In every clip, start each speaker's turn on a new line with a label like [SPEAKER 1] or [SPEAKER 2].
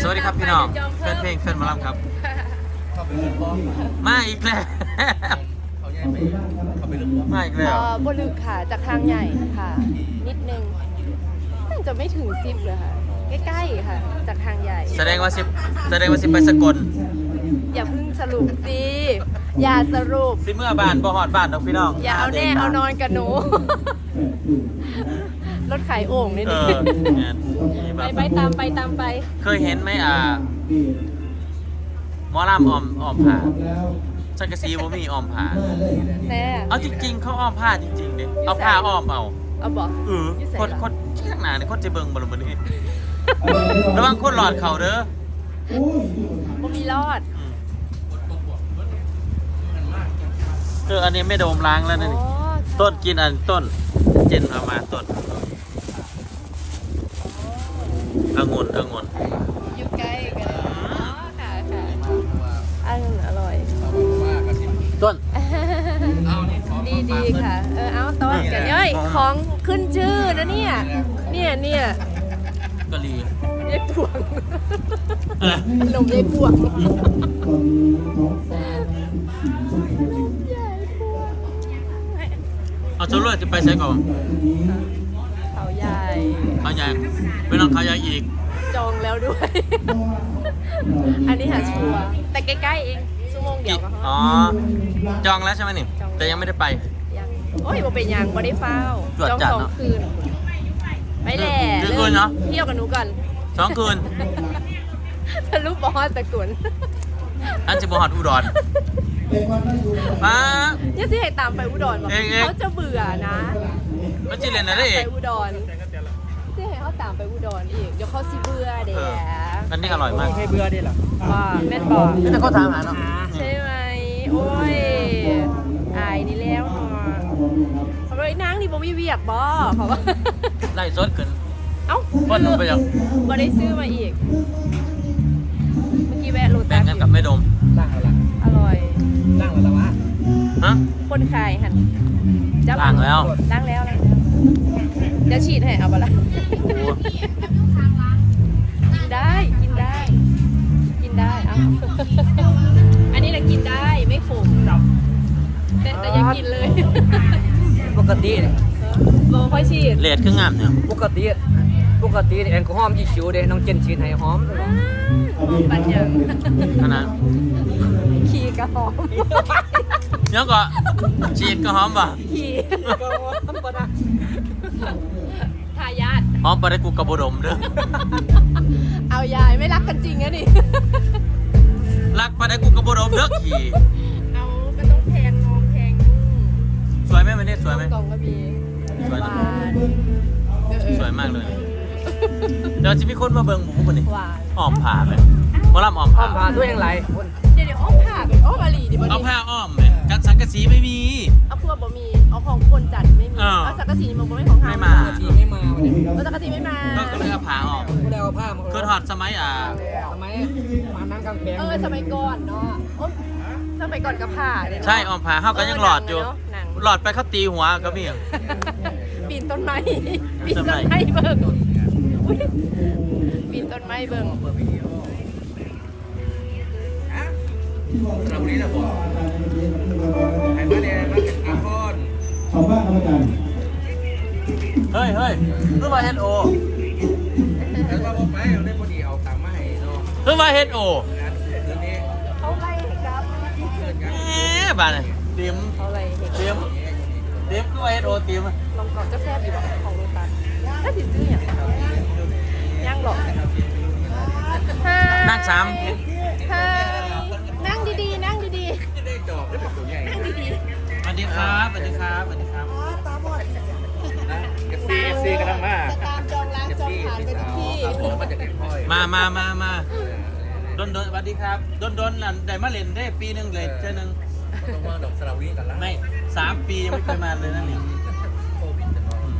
[SPEAKER 1] วัสดีครับพี่น้องแฟนเพลงแฟนหมอลำครับมาอีกแล้วมาอีกแล้ว
[SPEAKER 2] บลึกค่ะจากทางใหญ่ค่ะ นิดนึงน่าจะไม่ถึง10เลยค่ะ ใกล้ๆค่ะ จากทางใหญ่
[SPEAKER 1] แสดงว่าสิไปสกล
[SPEAKER 2] อย่าเพิ่งสรุปสิอย่าสรุป
[SPEAKER 1] สิเมื่อบ้านบ่ฮอดบ้านดอกพี่น้อง
[SPEAKER 2] อย่าเอาแน่เอานอนกับหนู รถขายโอ่งนี่
[SPEAKER 1] เอ
[SPEAKER 2] นี่
[SPEAKER 1] อ
[SPEAKER 2] ไปตามไป
[SPEAKER 1] เคยเห็นไหมหมอลำอ้อมผ้าสังกะสีบ่มีอ้อมผ้า
[SPEAKER 2] แน่
[SPEAKER 1] เอาจริงๆเขาอ้อมผ้าจริงๆเด้เอาผ้าอ้อมเอา
[SPEAKER 2] เอาบอก
[SPEAKER 1] คนข้างหน้านี่คนจะเบิ่งบ่ล่ะมื้อนี้ระวังคนหลอดเขาเด้อ
[SPEAKER 2] บ่มีรอด
[SPEAKER 1] อันนี้ไม่โดมล้างแล้วนะนี่
[SPEAKER 2] อ๋อ
[SPEAKER 1] ต้นกินอันต้นเจนเอามาต้นองุ่น
[SPEAKER 2] อยู่ใกล้กันอ๋อค่ะองุ่นอร่อย
[SPEAKER 1] ต้น
[SPEAKER 2] ดีค่ะ เอาต้นกันย่อยของขึ้นชื่อนะเนี่ย
[SPEAKER 1] กะหรี่
[SPEAKER 2] ยายพวง
[SPEAKER 1] เออ
[SPEAKER 2] ขนมยายพวง
[SPEAKER 1] เอาชุดรถจะไปใช้ก่อน
[SPEAKER 2] เขาใหญ่
[SPEAKER 1] เขาใหญ่ไปน้องเขาใหญ่อีก
[SPEAKER 2] จองแล้วด้วย อันนี้หาชัวร์แต่ใกล้ๆเองชั่วโมงเดียวก็
[SPEAKER 1] อ๋อจองแล้วใช่ไหมนี่แต่ยังไม่ได้ไป
[SPEAKER 2] ยังโอ้ยบ่เป็นยังบ่ได้เฝ้า
[SPEAKER 1] ตรวจ
[SPEAKER 2] จอง
[SPEAKER 1] จัด
[SPEAKER 2] 2
[SPEAKER 1] เนอะ
[SPEAKER 2] คืนไปแหละ
[SPEAKER 1] กี่คืนเนอะ
[SPEAKER 2] เที่ยวกับหนูก่อน
[SPEAKER 1] 2 คืน
[SPEAKER 2] ทะลุบอสตะกุน
[SPEAKER 1] อันจะบฮอดอุดรมา
[SPEAKER 2] เนี่ยสิให้ตามไปอุดรบอก
[SPEAKER 1] เอง
[SPEAKER 2] เขาจะเบื่อนะ
[SPEAKER 1] มันจะเรียนอะไรเอ
[SPEAKER 2] ไป
[SPEAKER 1] ก
[SPEAKER 2] อุดรสิให้เขาตามไปอุดรอีกเดี๋ยวเขาสิเบื่อเดี๋ยว
[SPEAKER 1] อันนี้อร่อยมาก
[SPEAKER 3] ให้เบื่อได้หรอ
[SPEAKER 2] ว่าแม่นบอก
[SPEAKER 1] แต่เขาถามหาเนาะ
[SPEAKER 2] ใช่ไหมโอ้ยอายนี่แล้วเนาะเขาบอกไอ้นางนี่บ่มีเวียกบ่เขาว่า
[SPEAKER 1] ไล่สดขึ้น
[SPEAKER 2] เอ้า
[SPEAKER 1] คนหนูไปยัง
[SPEAKER 2] บ่ได้ซื้อมาอีกเมื่อกี้แวะโล
[SPEAKER 1] แบ่
[SPEAKER 2] ตั
[SPEAKER 1] ง
[SPEAKER 2] ส
[SPEAKER 1] กันกับแม่ดม
[SPEAKER 3] ล่างแล้วล่ะ
[SPEAKER 2] อร่อย
[SPEAKER 3] ล่างแล้ววะ
[SPEAKER 1] ฮะ
[SPEAKER 2] คนขายหันจับ
[SPEAKER 1] ล้างแล้ว
[SPEAKER 2] ล้างแล้วเดี๋ยวฉีดให้เอาบ่ล่ะ
[SPEAKER 1] โอ้
[SPEAKER 2] กินได้เอา อันนี้แหละกินได้ไม่ขมแต่อยังกินเลย
[SPEAKER 3] ปกติเนี่ย
[SPEAKER 2] โบค่อยฉีด
[SPEAKER 1] เลดคืองามเนี่ย
[SPEAKER 3] ปกติแอลกอฮอล์ยี่ชิวเด้น้องเจนฉีดให้หอม
[SPEAKER 2] ปัญญา
[SPEAKER 1] ขนาด
[SPEAKER 2] ขี่กระหอม
[SPEAKER 1] เดี๋ยวก็ฉีดก็หอมป่ะ
[SPEAKER 2] ขี่
[SPEAKER 3] ก็หอมปะนะ
[SPEAKER 2] ทายาท
[SPEAKER 1] หอมไปได้กูกระบดมเด้อ
[SPEAKER 2] เอายายไม่รักกันจริงนะนี่
[SPEAKER 1] รักไปได้กูกระบดมเด้อขี่
[SPEAKER 2] เอาก็ต้องแพงน้องแพง
[SPEAKER 1] สวยไหมวันนี้สวยไหม
[SPEAKER 2] กล่องก็มี
[SPEAKER 1] สวย
[SPEAKER 2] ห
[SPEAKER 1] นะ
[SPEAKER 2] วานเออ
[SPEAKER 1] สวยมากเลยเดี๋ยวจะมีคนมาเบิ่งหมูคนนี้
[SPEAKER 2] หวาน
[SPEAKER 1] อ้อมผ่าไหมหมอลำอ้อม
[SPEAKER 3] หอ
[SPEAKER 1] ผ่าม
[SPEAKER 3] ผ่าด้วยยังไร
[SPEAKER 2] เดี๋ยวอ้อมผ่าเป็นอ้อมอาลีดิบ
[SPEAKER 1] เอา
[SPEAKER 2] ดี
[SPEAKER 1] ผ้าอ้อมไหมกันสังกะสีไม่มี
[SPEAKER 2] เอาพวกบ่มีเอาของคนจัดไม่มี
[SPEAKER 1] เออ
[SPEAKER 2] เอาสังกะสีมันบ่ไม่ของเฮา
[SPEAKER 1] ไม่มา
[SPEAKER 3] ทีไม่มาวันนี้
[SPEAKER 2] เอาสังกะสีไม่มา
[SPEAKER 1] ก็เลยเอาผ้าออก
[SPEAKER 3] ก็ได้เอาผ้ามา
[SPEAKER 1] คือถอดสมัย
[SPEAKER 3] ทำไมมานั่งกลางแปลง
[SPEAKER 2] สมัยก่อนเนาะโอ๊ยสมัยก่อนกับผ่าเนี่ยเนาะ
[SPEAKER 1] ใช่อ้อมผ่าเขาก็ยังหลอดอยู่
[SPEAKER 2] หนัง
[SPEAKER 1] หลอดไปเขาตีหัวก็มี
[SPEAKER 2] ปีนต้นไม้ปีนต้นไม้เบิ่งอุ๊ยปีนต้นไม้เบิ่ง
[SPEAKER 3] เรานี้นะบอกไอ้บ้านเนี่ยมันเป็นอาคอน
[SPEAKER 4] ชาวบ้านครับอาจารย์
[SPEAKER 1] เฮ้ยคือมาเฮดโอ
[SPEAKER 3] แล้วก็บอกไปเอาได้พอดีเอาตังค์มาให้เนาะ
[SPEAKER 1] คือมาเฮดโอ
[SPEAKER 3] เดือนนี้
[SPEAKER 2] เขาไล่ครับ
[SPEAKER 3] เกินกัน
[SPEAKER 1] แหมบ้านนี่เตรียม
[SPEAKER 2] เขาไล่เห็น
[SPEAKER 1] คือมาเฮดโอเตรียม
[SPEAKER 2] ลองก่อนจะแซ่บอยู่แบบของโรตัสถ้าสิซื้ออย่างย่างหรอก
[SPEAKER 1] นั่งสาม
[SPEAKER 2] นั่งดีๆนั่งดี
[SPEAKER 3] จะได้จอบได้เป็นตัวใหญ่
[SPEAKER 2] ๆนั่งดี
[SPEAKER 1] สวัสดีครับสวัสดีครับสวัสดีครับ
[SPEAKER 3] FC กำลังมา
[SPEAKER 2] ๆจะตามจองร้านจองผ่านไปทุกที่
[SPEAKER 3] มาจากเด็กพ่อย
[SPEAKER 1] มาดนสวัสดีครับดนนั่นได้มาเล่นได้ปีหนึงเลยเจอหนึง
[SPEAKER 3] ต้องมาดอกสระวีกันละ
[SPEAKER 1] ไม่3 ปียังไม่เคยมาเลยนั่นนี่
[SPEAKER 3] โควิด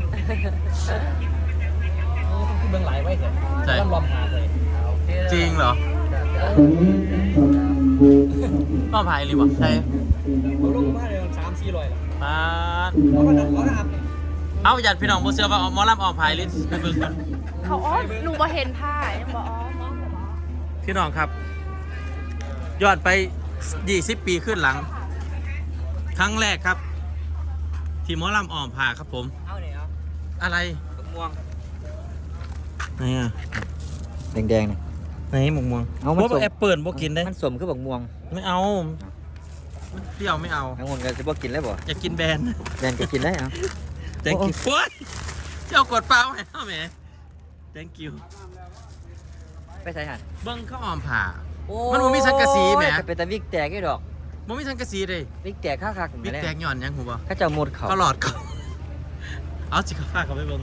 [SPEAKER 3] ที่เบื้องหลายไว้เถอะต้องรอมหาเลย
[SPEAKER 1] จริงเหรอ
[SPEAKER 4] ตอนนี้ตอนบู
[SPEAKER 1] อ้อมผ่าอีหรือเปล่าใช่
[SPEAKER 3] ลงมาเลย3-400หรอ
[SPEAKER 1] มา
[SPEAKER 3] เพราะมันต้องขอทำ
[SPEAKER 1] เอาหยัดพี่น้องบ่เชื่อว่าหมอลำอ้อมผ่าอีหรือไปเบิ่งกัน
[SPEAKER 2] เขาอ้อมหนูมาเห็นผ้ายังบอกอ๋อมอง
[SPEAKER 1] พี่น้องครับยอดไป20 ปีขึ้นหลังครั้งแรกครับที่หมอลำอ้อมผ่าครับผม
[SPEAKER 3] เอาเนี่ยเอา
[SPEAKER 1] อะไร
[SPEAKER 3] ม่วง
[SPEAKER 1] ไหนอ่ะ
[SPEAKER 3] แดงๆเนี่ย
[SPEAKER 1] ไหนหมกม่วง
[SPEAKER 3] เอามัน
[SPEAKER 1] บ่
[SPEAKER 3] สม
[SPEAKER 1] แอปเปิลบ่กินได้
[SPEAKER 3] มันสมคือบักม่วง
[SPEAKER 1] ไม่เอามันเปรี้ยวไม่เอา
[SPEAKER 3] ทั้งหมดก็จะบ่กินแล้วบ่
[SPEAKER 1] อยากกินแบน
[SPEAKER 3] แดงก็กินได้เอา
[SPEAKER 1] thank you โอ้ยเจ้ากดเปล่าให้เอาแหม thank you
[SPEAKER 3] ไปใส่หัน
[SPEAKER 1] เบิ้งเขาอ้อมผ่า มันบ่มีสังกะสีแหม
[SPEAKER 3] จะเป็นตะวิกแตกไอ้ดอก
[SPEAKER 1] บ่มีสังกะสีเลย
[SPEAKER 3] วิกแตกคักๆ
[SPEAKER 1] บิ๊กแตกหย่อนยังหูบ่
[SPEAKER 3] ข้าเจ้าหมดเขา
[SPEAKER 1] ก็หลอดเขาเอาสิเขาพาเขาไปเบิ้ง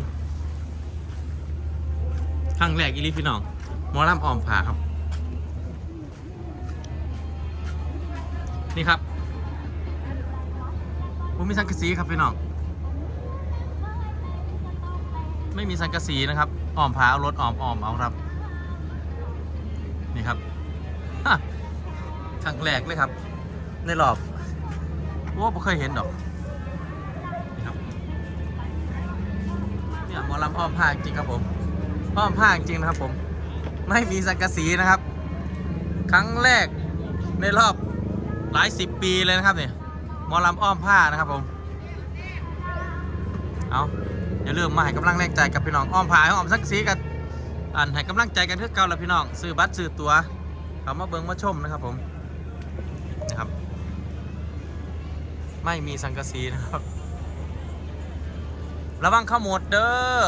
[SPEAKER 1] ครั้งแรกอีหลีพี่น้องหมอลำอ้อมผ่าครับนี่ครับผมมีสังกะสีครับพี่น้องไม่มีสังกะสีนะครับอ้อมผ่าเอารถอ้อมเอาครับนี่ครับฮะครั้งแรกเลยครับในรอบว่าไม่เคยเห็นดอกนี่ครับเนี่ยหมอลำอ้อมผ้าจริงครับผมอ้อมผ้าจริงนะครับผมไม่มีสังกะสีนะครับครั้งแรกในรอบหลาย10 ปีเลยนะครับเนี่ยหมอลำอ้อมผ้านะครับผมเอาอย่าลืมมาให้กำลังแรงใจกับพี่น้องอ้อมผ้าอ้อมสังกะสีกันให้กำลังใจกันเพื่อเก่าแล้วพี่น้องซื้อบัตรซื้อตั๋วเขามาเบิ่งมาชมนะครับผมนะครับไม่มีสังกะสีนะครับระวังขโมดเด้อ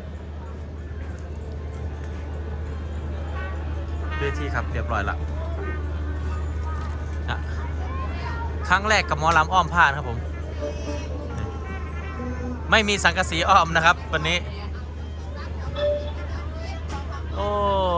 [SPEAKER 1] เวทีครับเรียบร้อยละนะครั้งแรกกับหมอลำอ้อมผ้านะครับผมไม่มีสังกะสีอ้อมนะครับวันนี้โอ้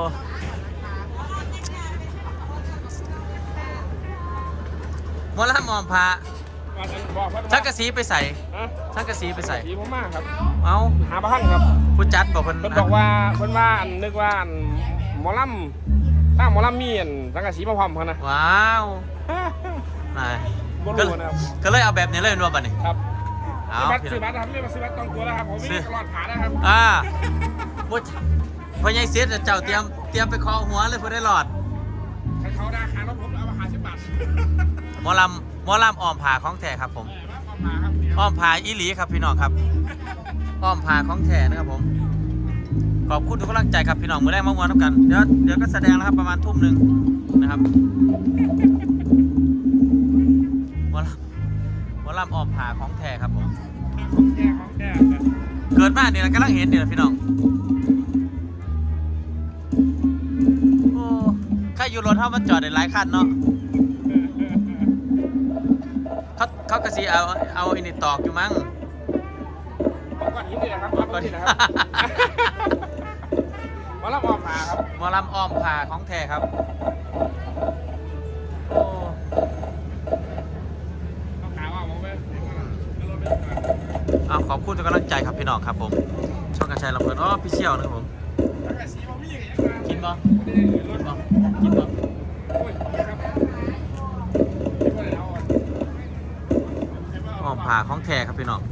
[SPEAKER 1] หมอลำอ้อมผ้าสังกะสีไปใส่สังกะสีไปใส่
[SPEAKER 5] สีผมมากครับ
[SPEAKER 1] เอา
[SPEAKER 5] หาบ้านครับ
[SPEAKER 1] ผู้จัดบอกเพิ่น
[SPEAKER 5] เพิ่นบอกว่านึกว่าหมอลำตั้งหมอลำมีสังกะสีมาพร้อมเขานะ
[SPEAKER 1] ว้าวนาย
[SPEAKER 5] บ่
[SPEAKER 1] ก็
[SPEAKER 5] รู้นะครับ
[SPEAKER 1] ก็เลยเอาแบบนี้เลยนัวบัดนี้
[SPEAKER 5] ครับ
[SPEAKER 1] เอา
[SPEAKER 5] ซื้อบัตรนะครับเรียกว่าซื้อบัตรต้องตัวแล้วครับผมไม่ได้ตลอดผ่านนะครับ
[SPEAKER 1] ผู้พ่อใหญ่เสียเจ้าเตรียมไปคอหัวเลยเพื่อได้หลอด
[SPEAKER 5] ถ้าเขาได้ค่ารถผมเอามา50 บาท
[SPEAKER 1] หมอลำอ้อมผาของแท้ครับผม
[SPEAKER 5] มาครับ
[SPEAKER 1] อ้อมผาอีหลีครับพี่น้องครับอ้อมผาของแท้นะครับผมขอบคุณทุกกำลังใจครับพี่น้องมือแรกมาวนทุกกันเดี๋ยวก็แสดงแล้วครับประมาณทุ่มหนึ่งนะครับหมอลำอ้อมผาของแท้ครับผม
[SPEAKER 5] ของแก่
[SPEAKER 1] เกิดมาเนี่ยกำลังเห็นเนี่ยพี่น้องโอ้ข้าอยู่รถเท่ามันจอดได้หลายคันเนาะเขากระสีเอาอินิตอกอยู่มั้ง
[SPEAKER 5] ก้อนหินนี่แหละครับก้อนหินนะครับหมอลำออกมาครับ
[SPEAKER 1] หมอลำอ้อมผ่าของแท้ครับโอ้
[SPEAKER 5] ต้องขาว่าผมไป
[SPEAKER 1] เอาขอบคุณทุกกำลังใจครับพี่น้องครับผมช่องกระชายลำเพลินพี่เชี่ยวนะครับผม
[SPEAKER 5] สังกะสีผมมีอย่าง
[SPEAKER 1] กินบ่
[SPEAKER 5] รถ
[SPEAKER 1] กินบ่
[SPEAKER 5] โอ้ยครับ
[SPEAKER 1] อ้อมผ่าของแท้ครับพี่น้อง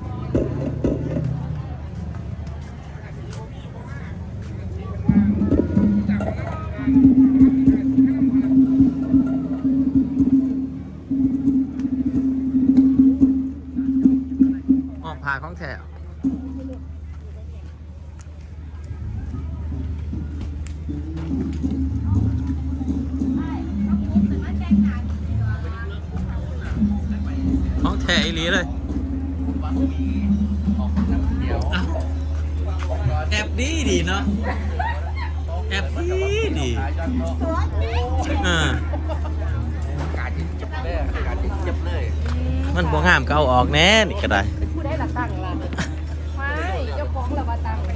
[SPEAKER 1] อ้อมผ่าของแท้ของแท้อีหลีเลยแอบดีเนาะแอบดีมันบ่งามก็เอาออกแน่นี่ก็ได้
[SPEAKER 2] ผู้ได้หลักตั้งล่ะไม่เจ้าของเรามาตั้งเลย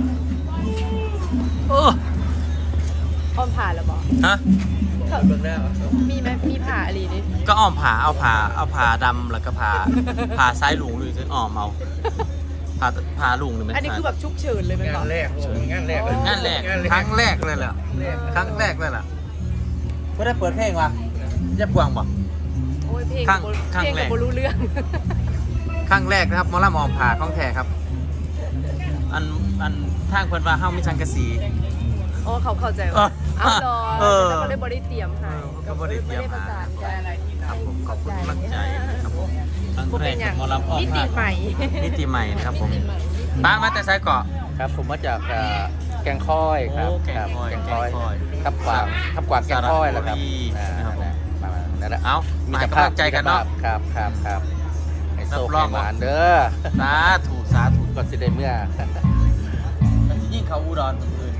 [SPEAKER 1] โอ้
[SPEAKER 2] อ้อมผ่าแล้วบอก
[SPEAKER 1] ฮะ
[SPEAKER 2] มีไหมมีผ่าอะไรดิ
[SPEAKER 1] ก็อ้อมผ่าเอาผ่าดำแล้วก็ผ่าซ้ายหลุงหรืออ้อมเอาผ่าหลุงหรือไม่
[SPEAKER 2] อันนี้คือแบบชุกเฉินเลยไหมบอก
[SPEAKER 3] งานแรก
[SPEAKER 1] งานแรกครั้งแรกเลยแหละครั้งแรกเลยล่ะก็ได้เปิดเพลงวะเย็บกวางบ่
[SPEAKER 2] โอ้ยเพลง
[SPEAKER 1] ข้าง
[SPEAKER 2] เพลง
[SPEAKER 1] แร
[SPEAKER 2] กั
[SPEAKER 1] ก
[SPEAKER 2] บรู้เรื่อง
[SPEAKER 1] ครั้งแรกนะครับหมอลำอ้อมผ่าของแท้ครับอันทางเพิ่นว่าเฮามีสังกะสี
[SPEAKER 2] อ๋อเขาเข้าใจ
[SPEAKER 1] เออ
[SPEAKER 2] ว่าเอาดอ
[SPEAKER 1] เออ
[SPEAKER 2] แล้วก็ได้บริเตรียมให้
[SPEAKER 1] ก็บ่ได้เตรียม
[SPEAKER 2] ประ
[SPEAKER 1] หา
[SPEAKER 2] สานกัน
[SPEAKER 1] ครับผมขอบคุณกำลังใจนะครับผมครั้ง
[SPEAKER 2] บ่
[SPEAKER 1] แร
[SPEAKER 2] เป็
[SPEAKER 1] ก
[SPEAKER 2] นอย่าง
[SPEAKER 1] หมอลำอ้อม
[SPEAKER 2] มิติ
[SPEAKER 1] ภาค
[SPEAKER 2] ใหม่
[SPEAKER 1] มิติใหม่นะครับผมป้ามาแต่ไซเกาะ
[SPEAKER 3] ครับผมมาจากแกงค่อยครับ
[SPEAKER 1] โอ้แกงค่อย
[SPEAKER 3] แกงค่อย
[SPEAKER 1] แกงค่อย
[SPEAKER 3] ทับกวางแกงค่อยแล้วครับ
[SPEAKER 1] สระบุรีนะครับผม
[SPEAKER 3] นั่นแหละ
[SPEAKER 1] เอ้ามาให้กำลังใจกันเนาะ
[SPEAKER 3] ครับไอ้โซ่
[SPEAKER 1] รับรอง
[SPEAKER 3] หมานเด้อ
[SPEAKER 1] สาธุสาธุ
[SPEAKER 3] ก็สิได้เมื่อ
[SPEAKER 1] มันจะยิ่งเขาอุดรคนอื่น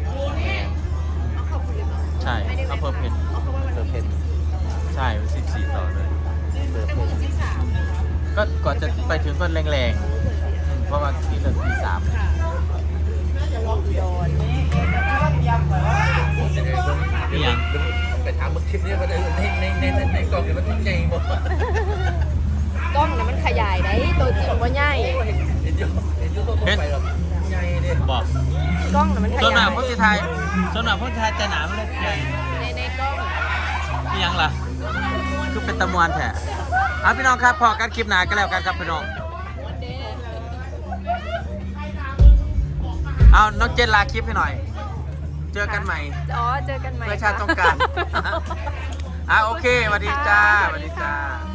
[SPEAKER 1] ใช่อำเภอเพชร
[SPEAKER 3] เพิ่มเพน
[SPEAKER 1] ใช่14ต่อเลย
[SPEAKER 3] เพิ่มเพน
[SPEAKER 1] ก็ก่อนจะไปถึงก็แรงๆเพราะว่าที่เลิกตี3 นี่ยัง
[SPEAKER 3] ไปถามคลิปนี้ก็ได้ในกล่องเนี่ยมันใหญ่หมด
[SPEAKER 2] กล้องนะมันขยายได้ตัวจริงว่าใหญ่
[SPEAKER 3] เห็นยูโต้ไปหรอกใหญ่เลย
[SPEAKER 1] บอก
[SPEAKER 2] กล้องนะมันข
[SPEAKER 1] ส่วนห
[SPEAKER 2] ยา
[SPEAKER 1] นั
[SPEAKER 2] ย
[SPEAKER 1] กพ้นสิไทยส่วนหนักพ้นสิไทยจะหนามันเลยใหญ่
[SPEAKER 2] ในกล้อง
[SPEAKER 1] นี่ยังล่ะ คือเป็นตะมวนแท้อ่ะพี่น้องครับพอกันคลิปหนากันแล้วกันครับพี่น้อง เอาน้องเจนลาคลิปให้หน่อย เจอกันใหม่
[SPEAKER 2] อ๋อเจอกันใหม่
[SPEAKER 1] เพื่อชาติต้องการ โอเคสวัสดีจ้าสวัสดีจ้า